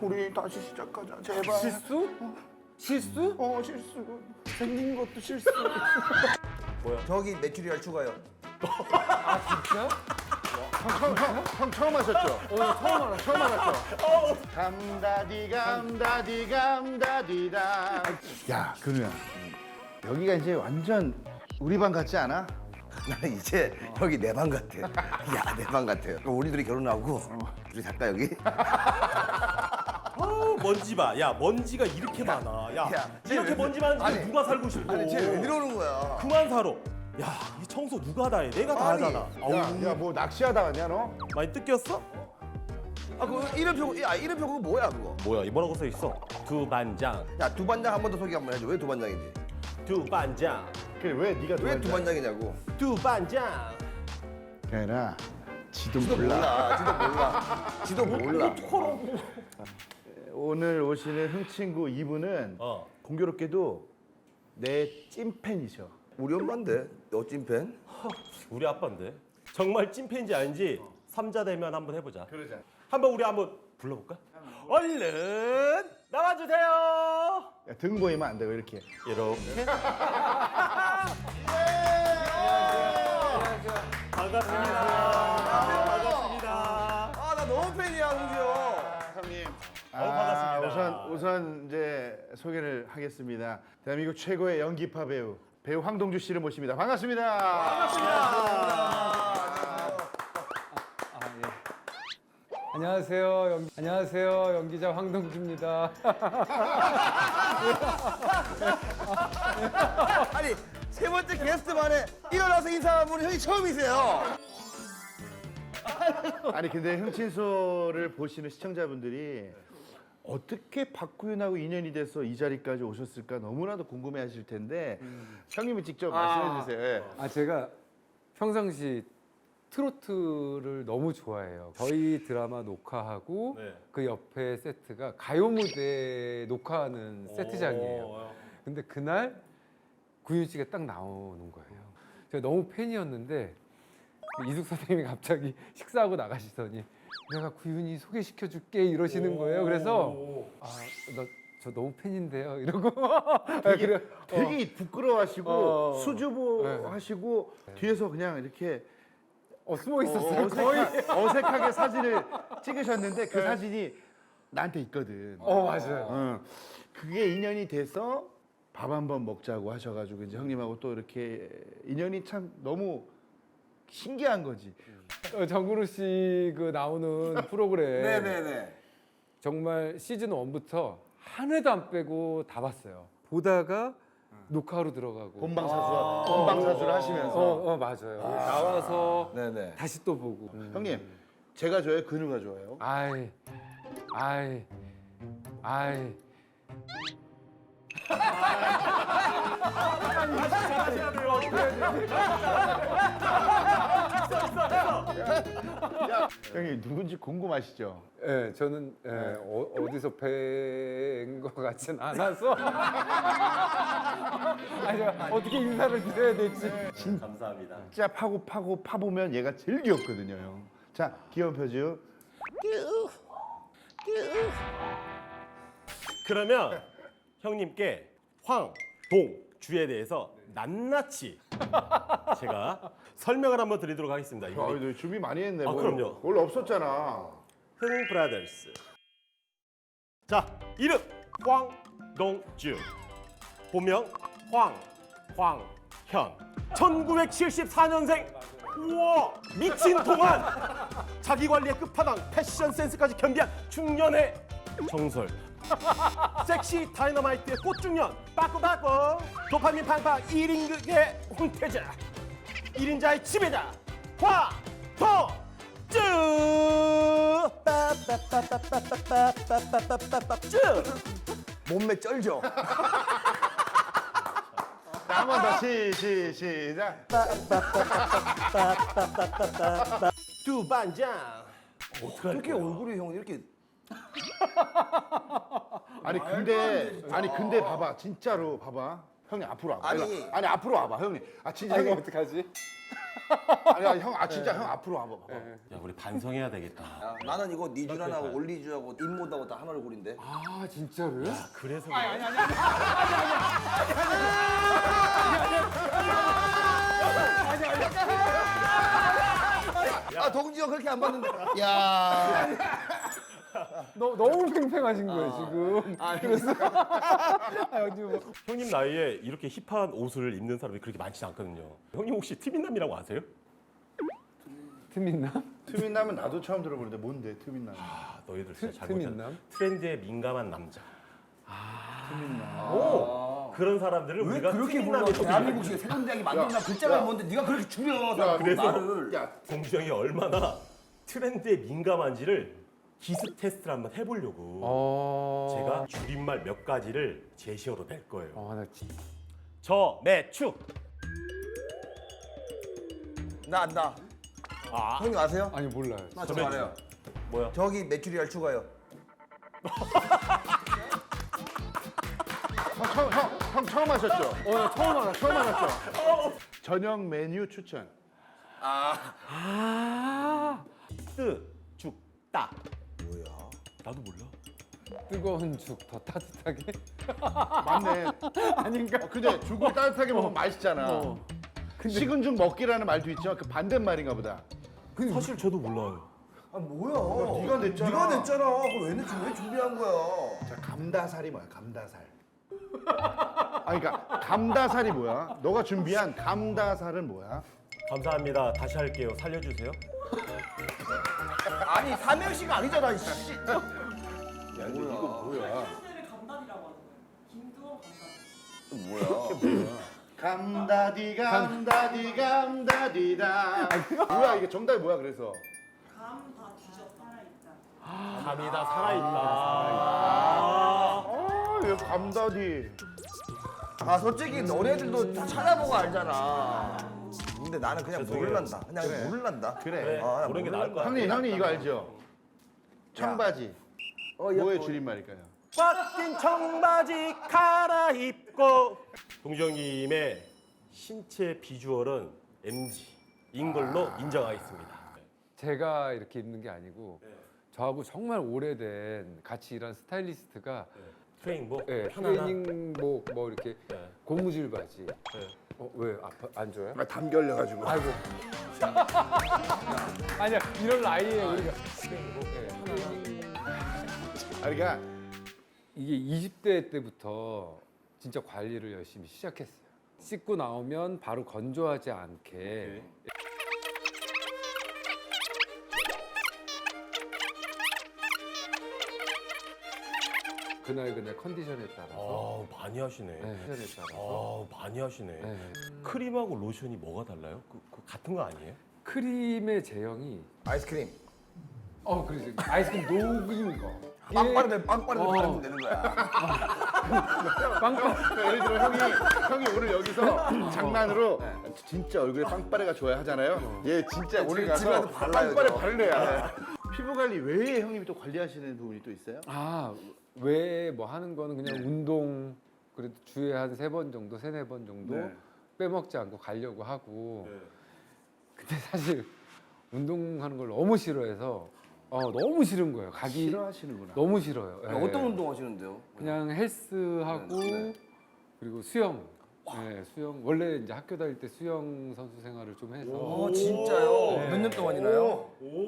우리 다시 시작하자 제발. 실수? 실수? 실수. 생긴 것도 실수. 저기 메추리알 추가요. 진짜? 형 처음 하셨죠? 처음 알았죠. 감다디감다디감다디다. 야, 근우야. 여기가 이제 완전 우리 방 같지 않아? 나는 이제 여기 내 방 같아. 야, 내 방 같아. 그럼 우리 둘이 결혼하고 둘이 살까 여기? 먼지 봐. 야, 먼지가 이렇게 많아. 야, 이렇게 쟤 먼지 많은 집에 아니, 누가 살고 싶어? 아니, 쟤 왜 이러는 거야? 그만 살아. 야, 이 청소 누가 다 해? 내가 다 아니, 하잖아. 아우, 야, 뭐 낚시하다 왔냐 너? 많이 뜯겼어? 아, 그 이름표, 야, 이름표 그거 뭐야 그거? 뭐야, 이 뭐라고 써 있어? 두반장. 야, 두반장 한 번 더 소개 한번 해줘. 왜 두반장인지? 두반장. 그래 왜 네가 왜 두반장이냐고? 두반장. 그게 아니라 지도 지도 몰라. 지도 몰라. 오늘 오시는 흥친구 이분은 공교롭게도 내 찐팬이셔. 우리 엄마인데 너 찐팬? 우리 아빠인데. 정말 찐팬인지 아닌지 삼자대면 한번 해보자. 그러자. 우리 한번 불러볼까? 얼른 나와주세요. 야, 등 보이면 안 되고 이렇게. 이렇게. 반갑습니다. 아, 나 너무 팬이야, 홍주 형. 형님. 반갑습니다. 우선 이제 소개를 하겠습니다. 대한민국 최고의 연기파 배우 황동주 씨를 모십니다. 반갑습니다. 안녕하세요. 연기자 황동주입니다. 아니, 세 번째 게스트 만에 일어나서 인사한 분이 형이 처음이세요. 아니 근데 흥친소를 보시는 시청자분들이 어떻게 박구윤하고 인연이 돼서 이 자리까지 오셨을까 너무나도 궁금해하실 텐데 형님이 직접 말씀해 주세요. 예. 제가 평상시 트로트를 너무 좋아해요. 저희 드라마 녹화하고 네. 그 옆에 세트가 가요 무대 녹화하는 세트장이에요. 근데 그날 구윤 씨가 딱 나오는 거예요. 제가 너무 팬이었는데 이숙 선생님이 갑자기 식사하고 나가시더니 내가 구윤이 소개시켜줄게 이러시는 거예요. 그래서 저 너무 팬인데요 이러고 되게 부끄러워하시고 수줍어 네. 하시고 뒤에서 그냥 이렇게 숨어 있었어요. 거의. 어색하게 사진을 찍으셨는데 그 사진이 나한테 있거든. 맞아요. 그게 인연이 돼서 밥 한번 먹자고 하셔가지고 이제 형님하고 또 이렇게 인연이 참 너무 신기한 거지. 정근우 씨 그 나오는 프로그램 네네네. 정말 시즌 1부터 한 회도 안 빼고 다 봤어요. 보다가 녹화로 들어가고 본방사수를 하시면서 맞아요. 나와서 네네. 다시 또 보고. 형님 제가 좋아해요, 근우가 좋아해요? 아이. 하셔야 돼요. 형님 누군지 궁금하시죠? 예, 저는 어디서 뵌 것 같진 않아서 어떻게 인사를 드려야 될지. 감사합니다. 진짜 파보면 얘가 제일 귀엽거든요, 형. 자, 귀여운 표정. 그러면 형님께 황동주에 대해서 낱낱이 제가 설명을 한번 드리도록 하겠습니다. 이분이 너 준비 많이 했네. 그럼요. 원래 없었잖아. 흥 브라더스. 자, 이름 황동주. 본명 황현. 1974년생. 우와, 미친 동안 자기 관리의 끝판왕, 패션 센스까지 겸비한 중년의 정설. 섹시 다이너마이트의 꽃중년, 빠꾸빠꾸. 도파민 팡팡 1인극의 홍태자. 1인자의 지배자 황동주. 빠빠빠빠빠빠빠빠빠빠빠빠빠쭉. 몸매 쩔죠? 한 번 더 시작. 두반장. 어떻게 얼굴이 형 이렇게 아니 근데 봐봐, 진짜로 봐봐. 형님 앞으로 와봐. 아니. 아니 앞으로 와봐, 형님. 진짜 형님. 어떡하지? 아니야 형, 진짜 형 앞으로 와봐. 야 우리 반성해야 되겠다. 야, 나는 이거 니쥬란하고 올리주하고 입모드하고 다 한 얼굴인데. 아 진짜로요? 그래서 아 동지 형 그렇게 안 봤는데. 야. 너무 팽팽하신 거예요 지금. 그래서 지금 뭐. 형님 나이에 이렇게 힙한 옷을 입는 사람이 그렇게 많지 않거든요. 형님 혹시 트민남이라고 아세요? 틈 있나? 트윈남은 나도 처음 들어보는데 뭔데 트윈남? 아, 너희들 진짜 틈 잘못했다. 있나? 트렌드에 민감한 남자. 트윈남. 오! 그런 사람들을 왜 우리가 그렇게 불러? 트민남이라고 대한민국식 세군 대학이 만든다 글자가 뭔데 네가 그렇게 줄여 그래서 나를. 야, 동주 형이 얼마나 트렌드에 민감한지를 기습 테스트를 한번 해보려고 제가 줄임말 몇 가지를 제시어로 낼 거예요. 나 진짜. 저매추. 나 안다. 아, 형님 아세요? 아니 몰라요. 나 저 저매추. 알아요. 뭐야? 저기 메추리알 추가요. 형 처음 하셨죠? 나 처음 알았어. 저녁 메뉴 추천. 뜨, 죽, 따. 뭐야? 나도 몰라. 뜨거운 죽 더 따뜻하게? 맞네. 아닌가? 근데 죽을 따뜻하게 먹으면 맛있잖아. 근데 식은 죽 먹기라는 말도 있죠. 그 반대말인가 보다. 사실 저도 몰라요. 아 뭐야? 네가 냈잖아. 네가 냈잖아. 그걸 왜 준비한 거야? 자, 감다살이 뭐야? 감다살. 그러니까 감다살이 뭐야? 너가 준비한 감다살은 뭐야? 감사합니다. 다시 할게요. 살려주세요. 아니 삼행시가 아니잖아. 씨. 야, 근데 이거 뭐야? 친구들의 감단이라고 하는 거예요. 김두원 감단. 뭐야? 감다디 감다디 감다디다. 뭐야 이게 정답이 뭐야 그래서? 감 다 뒤져 살아있다. 감이 다 살아있다. 이거 감다디. 아 솔직히 너네들도 다 찾아보고 알잖아. 근데 나는 그냥 죄송해요. 모를란다. 그냥 그래. 모를란다. 그래. 아, 나 모르는 게 나을 것 같아. 형님 이거 알죠? 청바지. 뭐의 줄임말일까요? 꽉 낀 청바지 갈아입고. 동주 형님의 신체 비주얼은 MG인 걸로 인정하겠습니다. 제가 이렇게 입는 게 아니고 저하고 정말 오래된 같이 일한 스타일리스트가 트레이닝복 하나나 트레이닝복 뭐 이렇게 네. 고무줄 바지. 네. 왜 아파 안 좋아요? 담 결려가지고. 아이고. 아니야 이런 나이에 우리가 트레이닝복. 그러니까 이게 20대 때부터 진짜 관리를 열심히 시작했어요. 씻고 나오면 바로 건조하지 않게. 그날 컨디션에 따라서. 많이 하시네. 컨디션에 따라서. 많이 하시네. 네. 크림하고 로션이 뭐가 달라요? 그 같은 거 아니에요? 크림의 제형이 아이스크림. 그래서 아이스크림 녹인 거. 빵빠르면 어. 바르면 되는 거야. 빵빵. 예를 들어 형이 오늘 여기서 장난으로 진짜 얼굴에 빵빠레가 좋아야 하잖아요. 얘 진짜 오늘 가서 집에서 발라요, 빵빠레 저. 바를래야. 피부 관리 외에 형님이 또 관리하시는 부분이 또 있어요? 왜 뭐 하는 거는 그냥 운동 그래도 주에 한 3번 정도, 3-4번 정도 네. 빼먹지 않고 가려고 하고. 근데 사실 운동하는 걸 너무 싫어해서 너무 싫은 거예요. 가기 싫어하시는구나. 너무 싫어요. 예. 어떤 운동 하시는데요? 그냥 헬스하고 네. 그리고 수영. 수영 원래 이제 학교 다닐 때 수영 선수 생활을 좀 해서 어 진짜요? 네. 몇 년 동안이나요?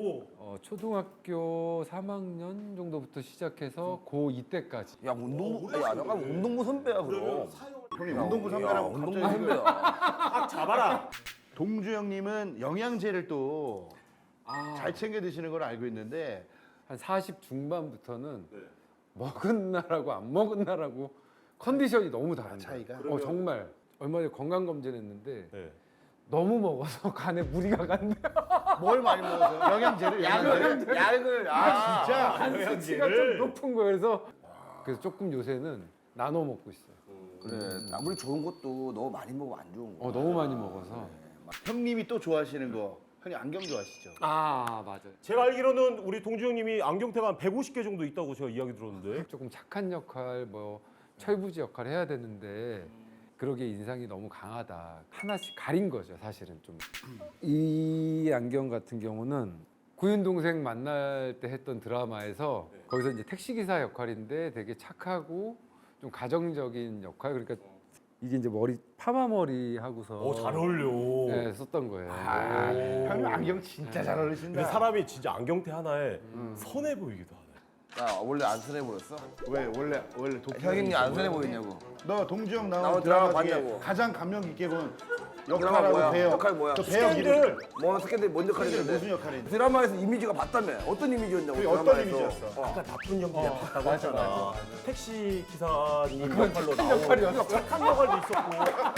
초등학교 3학년 정도부터 시작해서 고2 때까지. 야 운동부 야 잠깐 운동부 선배야 그럼. 형님 운동부 선배라고 운동부 갑자기 선배야. 딱 잡아라. 동주 형님은 영양제를 또 잘 챙겨 드시는 걸 알고 있는데 한 40 중반부터는 먹은 날하고 안 먹은 날하고 컨디션이 너무 다른 거예요. 차이가? 정말 얼마 전에 건강 검진했는데 네. 너무 먹어서 간에 무리가 간대요. 뭘 많이 먹어서? 영양제를 약을 진짜 간 수치가 좀 높은 거예요. 그래서 조금 요새는 나눠 먹고 있어요. 그래 아무리 좋은 것도 너무 많이 먹으면 안 좋은 거. 너무 많이 먹어서. 형님이 또 좋아하시는 거 형님 안경 좋아하시죠? 맞아요. 제가 알기로는 우리 동주 형님이 안경테가 한 150개 정도 있다고 제가 이야기 들었는데. 조금 착한 역할, 뭐 철부지 역할 해야 되는데 그러게 인상이 너무 강하다. 하나씩 가린 거죠, 사실은 좀. 이 안경 같은 경우는 구윤 동생 만날 때 했던 드라마에서 거기서 이제 택시 기사 역할인데 되게 착하고 좀 가정적인 역할. 그러니까 이게 이제 머리 파마 머리 하고서 잘 어울려. 네, 썼던 거예요. 아, 형님 안경 진짜 잘 어울리신다. 근데 사람이 진짜 안경테 하나에 선해 보이기도 하네. 야 원래 안 순해 보였어? 왜 원래 도피 형님 안 순해 보이냐고. 너 동주형 나온 나온 드라마 드라마 중에 봤냐고. 가장 감명 깊게 본 드라마 역할하고 뭐야? 배역. 역할 뭐야? 그 배역 이름. 스캔들. 뭐 스캔들 뭔 역할인데? 무슨 역할인데? 드라마에서 이미지가 봤다며. 어떤 이미지였냐고. 그게 어떤 드라마에서. 이미지였어? 아까 나쁜 연기 내가 봤다고 했잖아. 택시 기사님 역할로 착한 나온 역할이었어. 착한 역할도 있었고.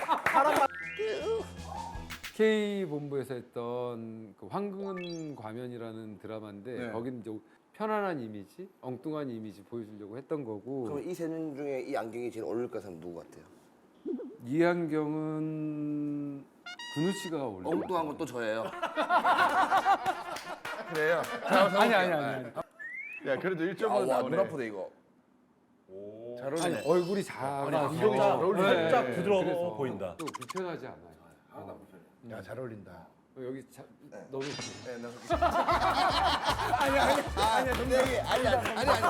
K 본부에서 했던 그 황금 과면이라는 드라마인데 네. 거기는 이제 편안한 이미지, 엉뚱한 이미지 보여주려고 했던 거고. 그럼 이 세 명 중에 이 안경이 제일 어울릴 것 사람 누구 같아요? 이 안경은 근우 씨가 어울려. 엉뚱한 건 또 저예요. 그래요? 아니. 야 그래도 1.5 와, 눈 나오네. 아프다 이거. 잘 아니 어울리네. 얼굴이 작아. 안경이 잘 어울리네. 살짝 부드러워 그래서 보인다. 또 불편하지 않아요. 야 잘 어울린다. 여기 너무 네, 아니야, 동생이 아니야.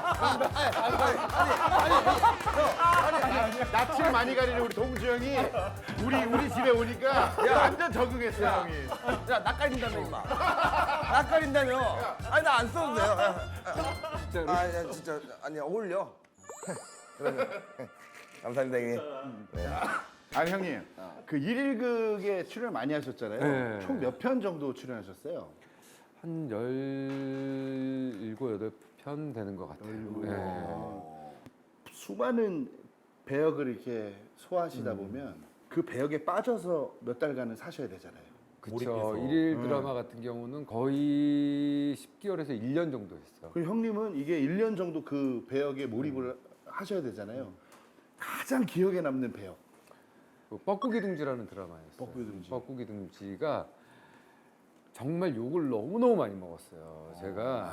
낯을 많이 가리는 우리 동주 형이 우리 집에 오니까 완전 적응했어 형이. 야, 낯가린다며 임마. 낯가린다며. 아니 나 안 써도 돼요. 진짜로. 야, 진짜 아니 어울려. 그러면 감사합니다 형님. 아니 형님 그 1일극에 출연 많이 하셨잖아요. 네. 총 몇 편 정도 출연하셨어요? 한 17, 8편 되는 것 같아요. 네. 수많은 배역을 이렇게 소화하시다 보면 그 배역에 빠져서 몇 달간은 사셔야 되잖아요. 그렇죠. 몰입해서. 일일 드라마 같은 경우는 거의 10개월에서 1년 정도 했어요. 그럼 형님은 이게 1년 정도 그 배역에 몰입을 하셔야 되잖아요. 가장 기억에 남는 배역. 그 뻐꾸기 둥지라는 드라마였어요. 뻐꾸기 둥지. 뻐꾸기 둥지가 정말 욕을 너무너무 많이 먹었어요. 제가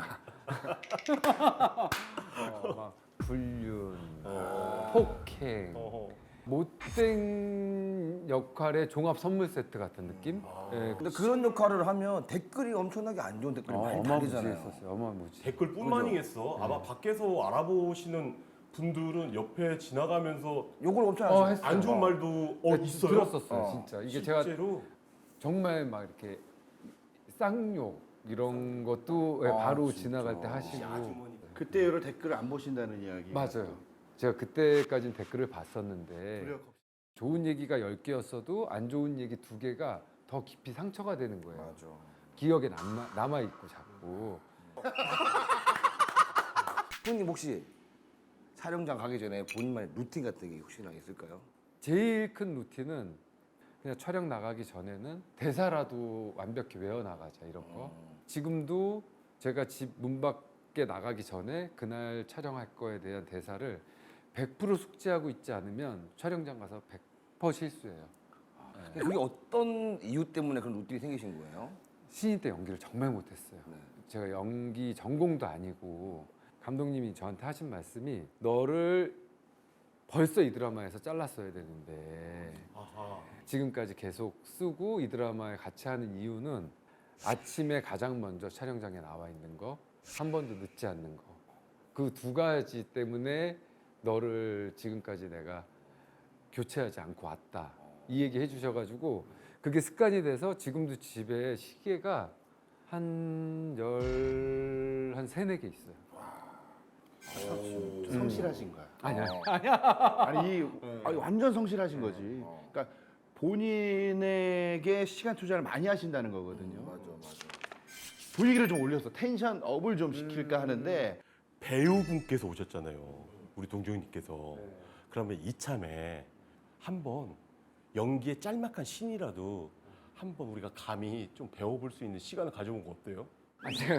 막 불륜, 폭행, 못된 역할의 종합 선물 세트 같은 느낌? 예, 근데 그런 역할을 하면 댓글이 엄청나게 안 좋은 댓글이 많이 달리잖아요. 어마무지했었어요. 어마무지. 댓글뿐만이겠어. 아마 밖에서 알아보시는 분들은 옆에 지나가면서 욕을 엄청 하시죠. 했어요. 안 좋은 말도 있어요. 들었었어요, 진짜. 이게 제가 실제로 정말 막 이렇게 쌍욕 이런 것도 바로 지나갈 때 하시고. 그때 여러 댓글을 안 보신다는 이야기. 맞아요. 제가 그때까지는 댓글을 봤었는데 좋은 얘기가 10개였어도 안 좋은 얘기 2개가 더 깊이 상처가 되는 거예요. 맞아. 기억에 남아있고 자꾸. 형님 혹시 촬영장 가기 전에 본인만의 루틴 같은 게 혹시나 있을까요? 제일 큰 루틴은 그냥 촬영 나가기 전에는 대사라도 완벽히 외워나가자 이런 거. 지금도 제가 집 문 밖에 나가기 전에 그날 촬영할 거에 대한 대사를 100% 숙지하고 있지 않으면 촬영장 가서 100% 실수해요. 근데 그게 어떤 이유 때문에 그런 루틴이 생기신 거예요? 신인 때 연기를 정말 못했어요. 제가 연기 전공도 아니고 감독님이 저한테 하신 말씀이 너를 벌써 이 드라마에서 잘랐어야 되는데 지금까지 계속 쓰고 이 드라마에 같이 하는 이유는 아침에 가장 먼저 촬영장에 나와 있는 거, 한 번도 늦지 않는 거. 그 2가지 때문에 너를 지금까지 내가 교체하지 않고 왔다. 이 얘기 해주셔가지고 그게 습관이 돼서 지금도 집에 시계가 한 3-4개 있어요. 성실하신 거야. 아니야. 아니 완전 성실하신 거지. 그러니까 본인에게 시간 투자를 많이 하신다는 거거든요. 맞아. 분위기를 좀 올려서 텐션 업을 좀 시킬까 하는데 배우분께서 오셨잖아요. 우리 동정님께서. 그러면 이참에 한번 연기의 짤막한 신이라도 한번 우리가 감히 좀 배워볼 수 있는 시간을 가져본 거 어때요? 아니, 제가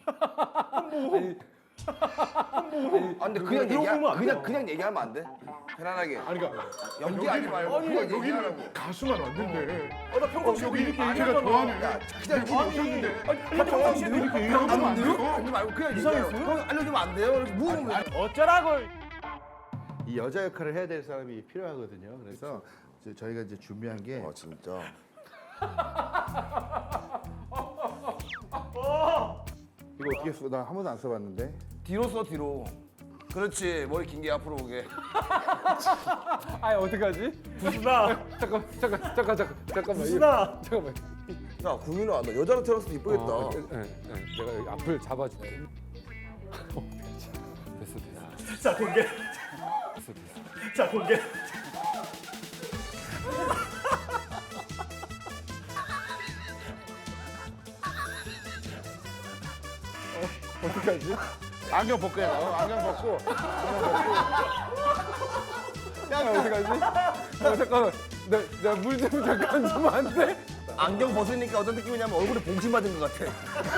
아 근데 그냥 들어보면 안 돼요. 그냥 얘기하면 안 돼? 편안하게. 아니 그러니까 연기하지 말고 그냥 얘기하라고. 여기는 가수만 왔는데 나 평상시에 여기 이렇게 제가 얘기하잖아. 좋아하는 그냥 오셨는데 평상시에 이렇게 얘기하면 안 돼요? 하지 말고 그냥 얘기해요. 그럼 알려주면 안 돼요? 이렇게 물어보면 이 여자 역할을 해야 될 사람이 필요하거든요. 그래서 저희가 이제 준비한 게 진짜. 이거 어떻게 써? 나 한 번도 안 써봤는데. 뒤로 써 뒤로. 그렇지. 머리 긴 게 앞으로 오게. 아 어떡하지? 부순아, 잠깐만. 부순아. 잠깐만. 야 구민아 너 여자로 태어나서 이쁘겠다. 내가 여기 앞을 잡아줄게. 됐어. 자 공개. 됐어. 자 공개. 어떡하지? 안경 벗고 해. 안경 벗고. 야 어떡하지? 잠깐만. 내가 물 좀 잠깐 주면 안 돼? 안경 벗으니까 어떤 느낌이냐면 얼굴에 봉침 맞은 것 같아.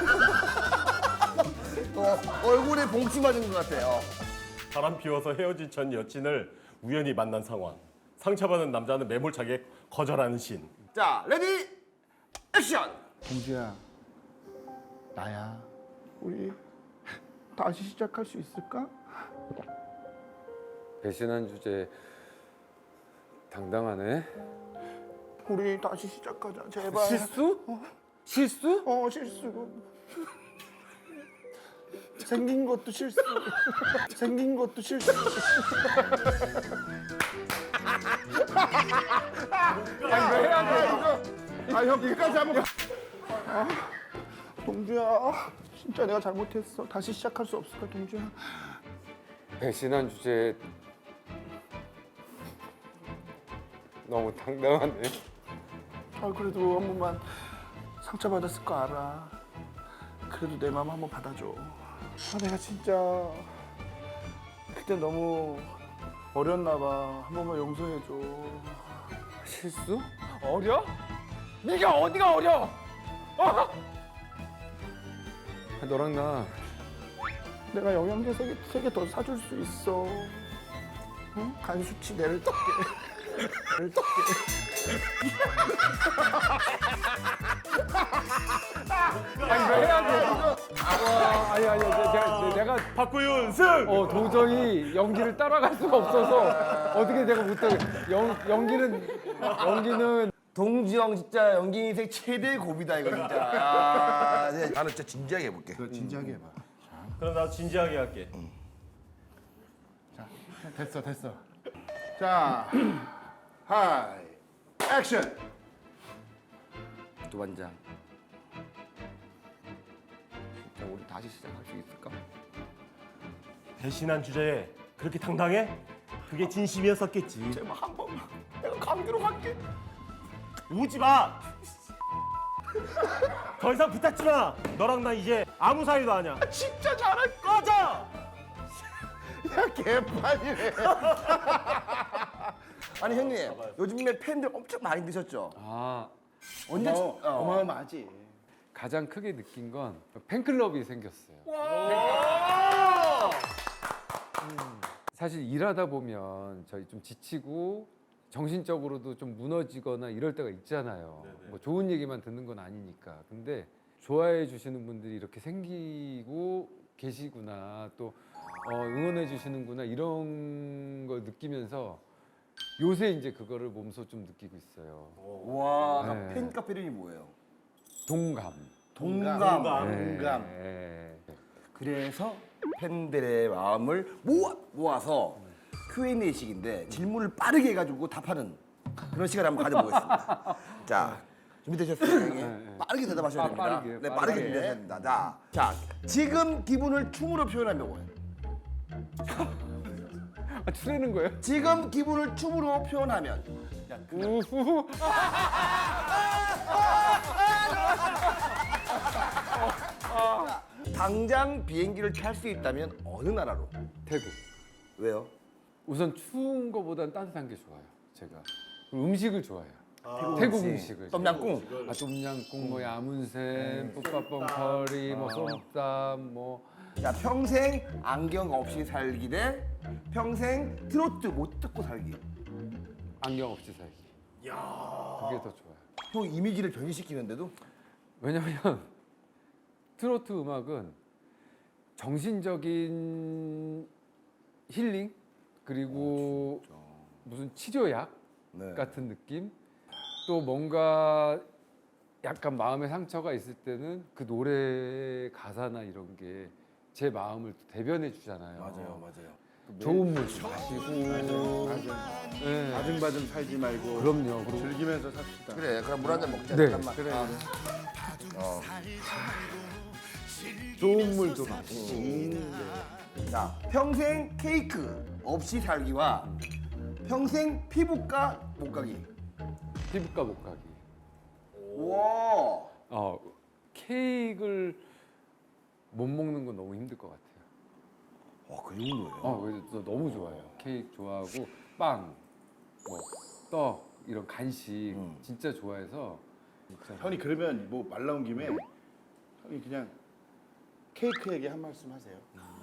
얼굴에 봉침 맞은 것 같아요. 바람 피워서 헤어진 전 여친을 우연히 만난 상황. 상처받은 남자는 매몰차게 거절하는 신. 자 레디 액션. 동주야, 나야. 우리 다시 시작할 수 있을까? 배신한 주제 당당하네. 우리 다시 시작하자, 제발. 실수? 실수? 실수. 생긴 것도 실수. 생긴 것도 실수. 아니 왜 해야 돼? 이거. 형 끝까지 한번. 동주야, 진짜 내가 잘못했어. 다시 시작할 수 없을까, 동주야? 배신한 주제 너무 당당하네. 그래도 한 번만 상처받았을 거 알아. 그래도 내 마음 한번 받아줘. 내가 진짜 그때 너무 어렸나 봐. 한 번만 용서해줘. 실수? 어려? 네가 어디가 어려? 너랑 나 내가 영양제 3개 더 사줄 수 있어. 응? 간 수치 내를 떴게. 내를 떴게. 아니 왜 해야 돼? 아니 내가 박구윤 승. 도저히 연기를 따라갈 수가 없어서 어떻게 내가 못하게 연기는 동주 형 진짜 연기 인생 최대 고비다 이거 진짜. 나는 진짜 진지하게 해볼게. 진지하게 해봐. 그럼 나 진지하게 할게. 됐어. 자, 하이, 액션. 도반장. 진짜 우리 다시 시작할 수 있을까? 배신한 주제에 그렇게 당당해? 그게 진심이었었겠지. 제발 한 번만. 내가 감기로 갈게. 오지 마. 더 이상 부탁지 마. 너랑 나 이제 아무 사이도 아니야. 진짜 잘할 꺼져. 야, 개판이네. 아니 형님 요즘에 팬들 엄청 많이 드셨죠? 언제 어마어마하지. 가장 크게 느낀 건 팬클럽이 생겼어요. 사실 일하다 보면 저희 좀 지치고 정신적으로도 좀 무너지거나 이럴 때가 있잖아요. 뭐 좋은 얘기만 듣는 건 아니니까. 근데 좋아해 주시는 분들이 이렇게 생기고 계시구나, 또 응원해 주시는구나, 이런 걸 느끼면서 요새 이제 그거를 몸소 좀 느끼고 있어요. 와 네. 팬카페 이름이 뭐예요? 동감. 동감. 네. 그래서 팬들의 마음을 모아서 Q&A식인데 질문을 빠르게 해가지고 답하는 그런 시간을 한번 가져보겠습니다. 자, 준비되셨어요, 형님? 빠르게 대답하셔야 됩니다. 빠르게, 네, 빠르게 빠르게. 준비하셔야 됩니다. 자, 지금 기분을 춤으로 표현하면 뭐예요? 추내는 거예요? 지금 기분을 춤으로 표현하면 우후. 당장 비행기를 탈 수 있다면 어느 나라로? 태국. 왜요? 우선 추운 거보단 따뜻한 게 좋아요. 제가 그리고 음식을 좋아해요. 태국 음식을. 똠양꿍. 똠양꿍, 뭐 야문샘, 뿌빠뽕 커리, 뭐 솜땀, 뭐 자, 평생 안경 없이 살기 대 평생 트로트 못 듣고 살기. 안경 없이 살기. 그게 더 좋아요. 형 이미지를 변신시키는데도 왜냐면 트로트 음악은 정신적인 힐링, 그리고 무슨 치료약, 네. 같은 느낌. 또 뭔가 약간 마음에 상처가 있을 때는 그 노래 가사나 이런 게 제 마음을 또 대변해 주잖아요. 맞아요. 좋은 물 좀 마시고. 맞아. 네. 바등바등 살지 말고 그럼요. 즐기면서 삽시다. 그래, 그럼 물 한 잔 먹자. 네. 잠깐만. 그래. 좋은 물도 마시고. 자, 평생 케이크 없이 살기와 평생 피부과 못 가기. 피부과 못 가기. 와. 케이크를 못 먹는 건 너무 힘들 것 같아요. 그 정도예요? 그래서 저 너무 좋아해요. 케이크 좋아하고 빵, 뭐 떡 이런 간식 진짜 좋아해서. 진짜 형이 그러면 뭐 말 나온 김에 형이 그냥 케이크 얘기 한 말씀 하세요.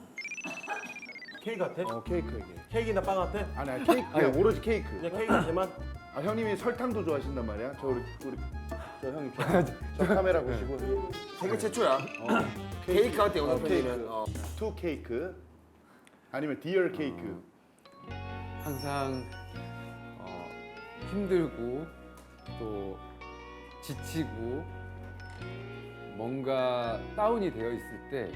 케이크 같아? 케이크 얘기. 케이크나 빵 같아? 아니 케이크 그냥 오로지 케이크. 그냥 케이크 같아만? 형님이 설탕도 좋아하신단 말이야. 저 형님 저 카메라 보시고 세계 최초야. 케이크 할때 케이크. 영상편이면 투 케이크 아니면 디얼 케이크. 항상 힘들고 또 지치고 뭔가 다운이 되어 있을 때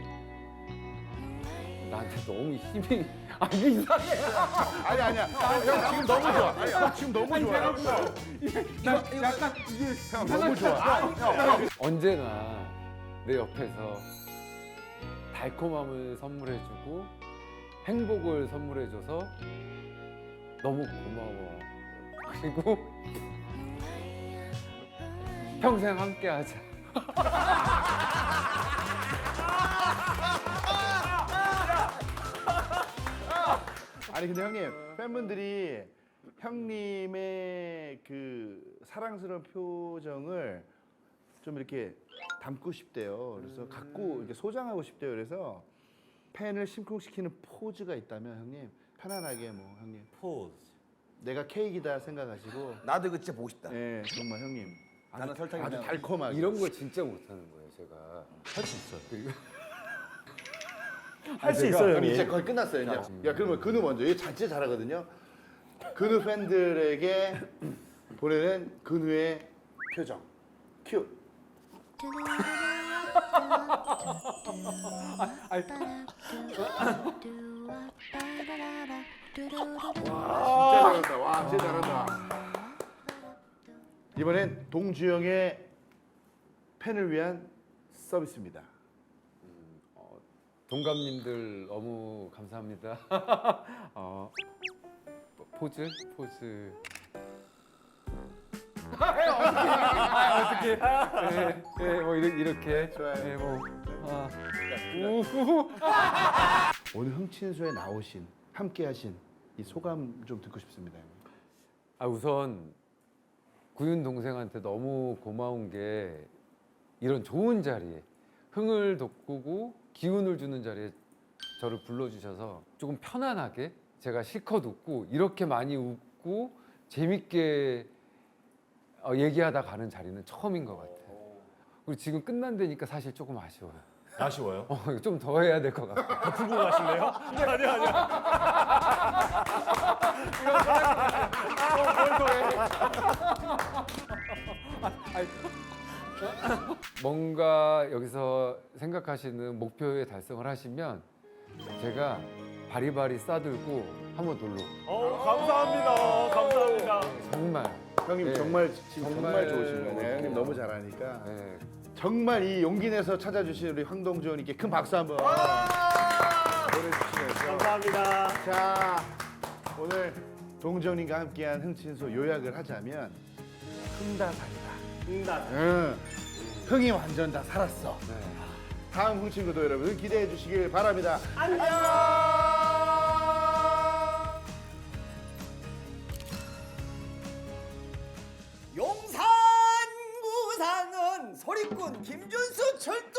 나한테 너무 힘이 이게 이상해. 아니야. 형 지금 너무 좋아. 형 지금 너무 좋아. 약간 이게 형 너무 좋아. 언제나 내 옆에서 달콤함을 선물해주고 행복을 선물해줘서 너무 고마워. 그리고 평생 함께하자. 아니 근데 형님 팬분들이 형님의 그 사랑스러운 표정을 좀 이렇게 담고 싶대요. 그래서 갖고 이렇게 소장하고 싶대요. 그래서 팬을 심쿵시키는 포즈가 있다면 형님 편안하게 뭐 형님 포즈. 내가 케이크다 생각하시고 나도 이거 진짜 보고 싶다. 예 정말 형님 나는 설탕이 아주 그냥 달콤하게 이런 걸 진짜 못하는 거예요, 제가. 할 수 있어요. 그리고 할 수 제가- 있어요, 형님 형님. 이제 거의 끝났어요 이제. 야 그러면 근우 먼저. 얘 진짜 잘하거든요. 근우 팬들에게 보내는 근우의 표정 큐. 진짜 잘한다. 와, 진짜 잘한다. 이번엔 동주영의 팬을 위한 서비스입니다. 동감님들 너무 감사합니다. 포즈. 어떻게? 네, 뭐 이렇게. 좋아요. 네, 뭐. 오늘 흥친소에 나오신 함께하신 이 소감 좀 듣고 싶습니다. 우선 구윤 동생한테 너무 고마운 게 이런 좋은 자리에 흥을 돋구고 기운을 주는 자리에 저를 불러주셔서 조금 편안하게 제가 실컷 웃고 이렇게 많이 웃고 재밌게 얘기하다 가는 자리는 처음인 것 같아요. 그리고 지금 끝난다니까 사실 조금 아쉬워요. 아쉬워요? 좀 더 해야 될 것 같아요. 더 풀고 가실래요? 아니야. 뭔가 여기서 생각하시는 목표에 달성을 하시면 제가 바리바리 싸들고 한번 놀러 감사합니다. 정말 형님 네. 정말 지금 정말 정말 좋으신 거예요. 형님 너무 잘하니까 네. 정말 이 용기 내서 찾아주신 우리 황동주님께 큰 박수 한번 보내주시면서 감사합니다. 자 오늘 동정님과 함께한 흥친소 요약을 하자면 흥다살이다. 응. 흥이 완전 다 살았어. 네. 다음 흥친구도 여러분 기대해 주시길 바랍니다. 안녕. 용산 구상은 소리꾼 김준수 출동!